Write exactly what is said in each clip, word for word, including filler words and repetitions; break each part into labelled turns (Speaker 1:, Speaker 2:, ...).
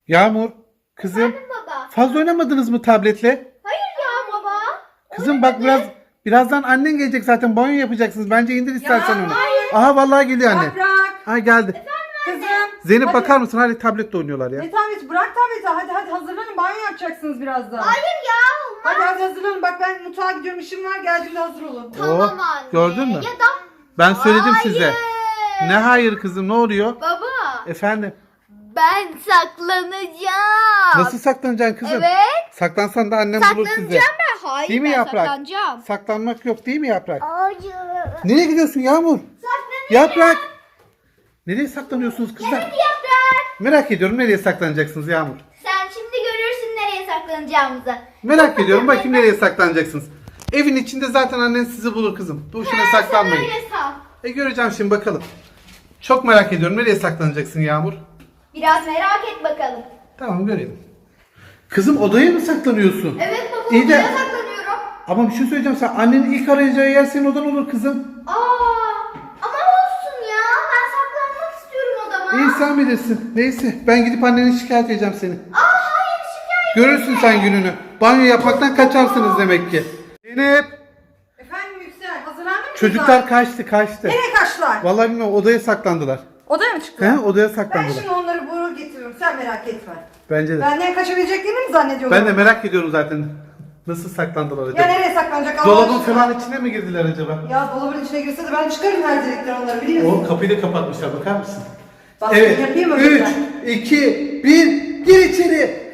Speaker 1: Yağmur, kızım.
Speaker 2: Efendim baba.
Speaker 1: Fazla oynamadınız mı tabletle?
Speaker 2: Hayır ya baba.
Speaker 1: Kızım bak biraz birazdan annen gelecek zaten banyo yapacaksınız. Bence indir istersen onu.
Speaker 2: hayır.
Speaker 1: Aha vallahi geliyor anne.
Speaker 3: Bırak.
Speaker 1: Ha geldi.
Speaker 3: Kızım.
Speaker 1: Zeynep
Speaker 3: hadi.
Speaker 1: bakar mısın? Hadi tabletle oynuyorlar ya.
Speaker 3: Ne tableti? Bırak tableti. Hadi hadi hazırlanın. Banyo yapacaksınız birazdan.
Speaker 2: Hayır ya olmaz.
Speaker 3: Hadi hadi hazırlanın. Bak ben mutfağa gidiyorum. İşim var. Geldiğimde hazır olun.
Speaker 2: Tamam
Speaker 1: Oh,
Speaker 2: anne.
Speaker 1: gördün mü?
Speaker 2: Ya da...
Speaker 1: Ben söyledim
Speaker 2: Hayır.
Speaker 1: size. Ne hayır kızım, ne oluyor?
Speaker 2: Baba.
Speaker 1: Efendim.
Speaker 2: Ben saklanacağım.
Speaker 1: Nasıl saklanacaksın kızım?
Speaker 2: Evet.
Speaker 1: Saklansan da annem bulur sizi.
Speaker 2: Saklanacağım ben. Hayır
Speaker 1: Değil mi
Speaker 2: ben
Speaker 1: Yaprak?
Speaker 2: saklanacağım.
Speaker 1: Saklanmak yok değil mi Yaprak?
Speaker 2: Hayır.
Speaker 1: Nereye gidiyorsun Yağmur? Yaprak. Nereye saklanıyorsunuz kızlar?
Speaker 2: Evet Yaprak.
Speaker 1: Merak ediyorum nereye saklanacaksınız Yağmur?
Speaker 2: Sen şimdi görürsün nereye saklanacağımızı.
Speaker 1: Merak ediyorum bakayım nereye saklanacaksınız. Evin içinde zaten annen sizi bulur kızım. Boşuna
Speaker 2: Ha,
Speaker 1: saklanmayın.
Speaker 2: sen öyle sal.
Speaker 1: E göreceğim şimdi bakalım. Çok merak ediyorum nereye saklanacaksın Yağmur?
Speaker 2: Biraz merak et bakalım.
Speaker 1: Tamam görelim. Kızım odaya mı saklanıyorsun?
Speaker 2: Evet baba
Speaker 1: İyi de-
Speaker 2: odaya saklanıyorum.
Speaker 1: Ama bir şey söyleyeceğim, sen annenin ilk arayacağı yer senin odan olur kızım.
Speaker 2: Aa, ama olsun ya. Ben saklanmak istiyorum odama.
Speaker 1: İyi sen bilirsin. Neyse ben gidip anneni şikayet edeceğim seni.
Speaker 2: Aa hayır şikayet.
Speaker 1: Görürsün sen gününü. Banyo yapmaktan kaçarsınız demek ki. Zeynep.
Speaker 3: Efendim Yüksel. Hazırlandın mı?
Speaker 1: Çocuklar kaçtı kaçtı.
Speaker 3: Nereye kaçtılar?
Speaker 1: Vallahi bilmiyorum odaya saklandılar.
Speaker 3: Odaya mı çıktılar?
Speaker 1: He odaya
Speaker 3: Ben
Speaker 1: saklandılar.
Speaker 3: şimdi onları vurur getiririm. Sen merak etme.
Speaker 1: Bence de.
Speaker 3: Benden kaçabileceklerini mi zannediyorlar?
Speaker 1: Ben de merak ediyorum zaten. Nasıl saklandılar
Speaker 3: Ya
Speaker 1: acaba?
Speaker 3: nereye saklanacak Allah
Speaker 1: Dolabın
Speaker 3: aşkına?
Speaker 1: falan içine mi girdiler acaba?
Speaker 3: Ya dolabın içine girse de ben çıkarım her direkten onları biliyor musun?
Speaker 1: O kapıyı da kapatmışlar, bakar mısın?
Speaker 3: Bak,
Speaker 1: Evet.
Speaker 3: yapayım mı
Speaker 1: üç,
Speaker 3: ben?
Speaker 1: iki, bir, gir içeri.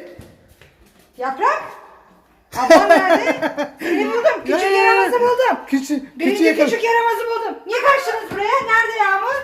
Speaker 3: Yaprak? Ablam nerede? Seni buldum. Küçük
Speaker 1: Ya,
Speaker 3: yaramazı buldum.
Speaker 1: Küçük,
Speaker 3: Birinci
Speaker 1: küçüğe
Speaker 3: küçük yaramazı buldum. Niye kaçtınız buraya? Nerede Yağmur?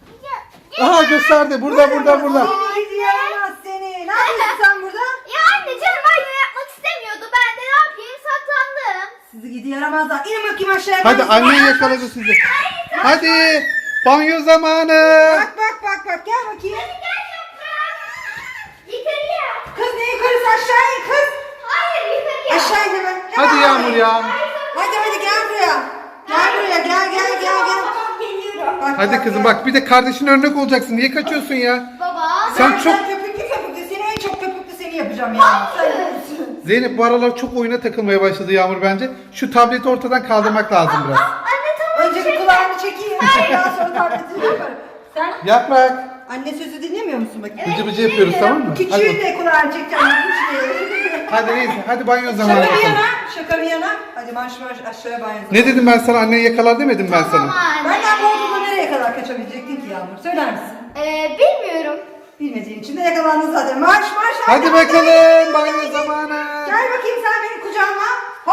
Speaker 1: Aha gösterdi. Burada, burada, burada.
Speaker 3: Seni gidi yaramaz seni. Ne yapıyorsun sen burada?
Speaker 2: Ya anne canım banyo yapmak istemiyordu. Ben de ne yapayım saklandım.
Speaker 3: Sizi gidi yaramazlar. İnin bakayım aşağıya.
Speaker 1: Hadi
Speaker 3: Ben-
Speaker 1: annen yakaladı sizi. Hadi. Banyo zamanı.
Speaker 3: Bak bak bak bak gel bakayım.
Speaker 2: Gel Yaprak. Yukarıya.
Speaker 3: Kız ne yukarısı aşağı in kız.
Speaker 2: Hayır yukarıya.
Speaker 3: Aşağı in hemen.
Speaker 1: Hadi
Speaker 3: Hemen
Speaker 1: Yağmur
Speaker 3: hadi.
Speaker 1: ya.
Speaker 3: Hadi hadi gel buraya. Gel buraya gel gel gel gel.
Speaker 2: Tamam geliyorum.
Speaker 3: Bak,
Speaker 1: Hadi
Speaker 3: bak,
Speaker 1: kızım
Speaker 3: gel.
Speaker 1: bak bir de kardeşine örnek olacaksın. Niye kaçıyorsun ya?
Speaker 2: Baba.
Speaker 1: Sen
Speaker 3: Ben-
Speaker 1: çok-
Speaker 3: ben köpüklü köpüklü seni en çok köpüklü seni yapacağım ya. Sen görürsün.
Speaker 1: Zeynep bu aralar çok oyuna takılmaya başladı Yağmur bence. Şu tableti ortadan kaldırmak lazım biraz.
Speaker 2: Anne tamam.
Speaker 3: Önce bir kulağını çekeyim. Daha sonra tabletini yaparım. Sen
Speaker 1: Yaprak.
Speaker 3: anne sözü dinlemiyor musun bakayım?
Speaker 1: Bıcı bıcı yapıyoruz tamam mı?
Speaker 3: Küçüğü
Speaker 1: Hadi,
Speaker 3: de kulağını çekeceğim. Küçüğü.
Speaker 1: hadi neyse hadi banyo zamanı
Speaker 3: Şaka bir
Speaker 1: yapalım.
Speaker 3: yana, şaka bir yana. Hadi marş marş aşağıya banyo.
Speaker 1: Ne dedim ben sana, anneni yakalar demedim ben
Speaker 2: Tamam
Speaker 1: sana.
Speaker 2: anne.
Speaker 3: Benden bu odada nereye kadar kaçabilecektin ki Yağmur? Söyler misin?
Speaker 2: Ee, bilmiyorum.
Speaker 3: Bilmediğin için de yakalandın zaten. Marş marş.
Speaker 1: Hadi bakalım banyo zamanı.
Speaker 3: Gel bakayım sen benim kucağıma.